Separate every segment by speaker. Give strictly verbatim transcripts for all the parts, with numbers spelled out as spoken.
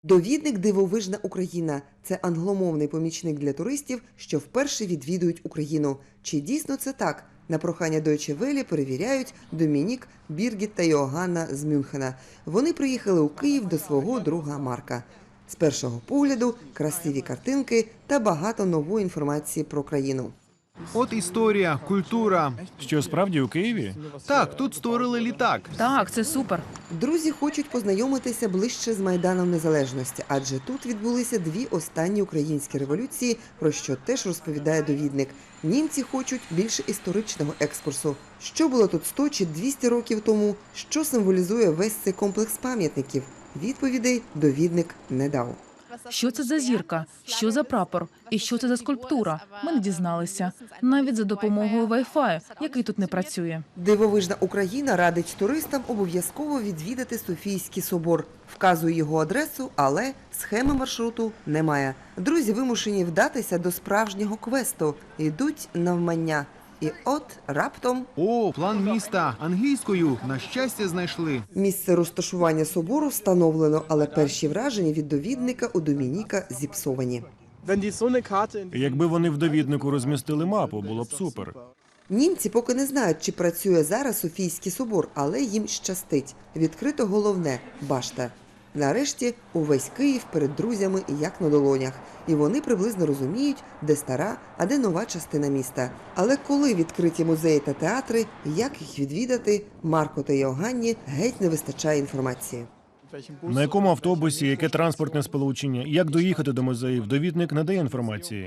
Speaker 1: Довідник «Дивовижна Україна» – це англомовний помічник для туристів, що вперше відвідують Україну. Чи дійсно це так? На прохання Deutsche Welle перевіряють Домінік, Біргіт та Йоганна з Мюнхена. Вони приїхали у Київ до свого друга Марка. З першого погляду – красиві картинки та багато нової інформації про країну.
Speaker 2: От історія, культура.
Speaker 3: Що, справді у Києві?
Speaker 2: Так, тут створили літак.
Speaker 4: Так, це супер.
Speaker 1: Друзі хочуть познайомитися ближче з Майданом Незалежності, адже тут відбулися дві останні українські революції, про що теж розповідає довідник. Німці хочуть більше історичного екскурсу. Що було тут сто чи двісті років тому? Що символізує весь цей комплекс пам'ятників? Відповідей довідник не дав.
Speaker 4: Що це за зірка? Що за прапор? І що це за скульптура? Ми не дізналися. Навіть за допомогою Wi-Fi, який тут не працює.
Speaker 1: Дивовижна Україна радить туристам обов'язково відвідати Софійський собор. Вказує його адресу, але схеми маршруту немає. Друзі вимушені вдатися до справжнього квесту. Йдуть навмання. І от раптом
Speaker 2: О, план міста. Англійською. На щастя, знайшли.
Speaker 1: місце розташування собору встановлено, але перші враження від довідника у Домініка зіпсовані.
Speaker 3: Якби вони в довіднику розмістили мапу, було б супер.
Speaker 1: Німці поки не знають, чи працює зараз Софійський собор, але їм щастить. Відкрито головне – башта. Нарешті увесь Київ перед друзями як на долонях. І вони приблизно розуміють, де стара, а де нова частина міста. Але коли відкриті музеї та театри, як їх відвідати, Марко та Йоганні геть не вистачає інформації.
Speaker 3: На якому автобусі, яке транспортне сполучення, як доїхати до музеїв, довідник не дає інформації.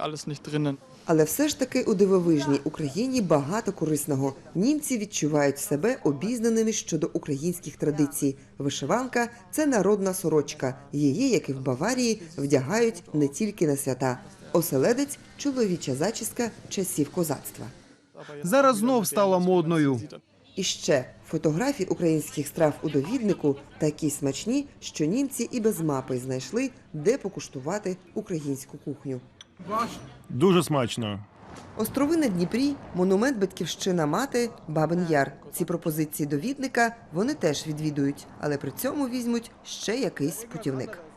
Speaker 1: Але все ж таки у дивовижній Україні багато корисного. Німці відчувають себе обізнаними щодо українських традицій. Вишиванка – це народна сорочка. Її, як і в Баварії, вдягають не тільки на свята. Оселедець – чоловіча зачіска часів козацтва.
Speaker 2: Зараз знов стала модною.
Speaker 1: І ще фотографії українських страв у довіднику такі смачні, що німці і без мапи знайшли, де покуштувати українську кухню.
Speaker 3: Дуже смачно.
Speaker 1: Острови на Дніпрі, монумент «Батьківщина мати», Бабин Яр. Ці пропозиції довідника вони теж відвідують, але при цьому візьмуть ще якийсь путівник.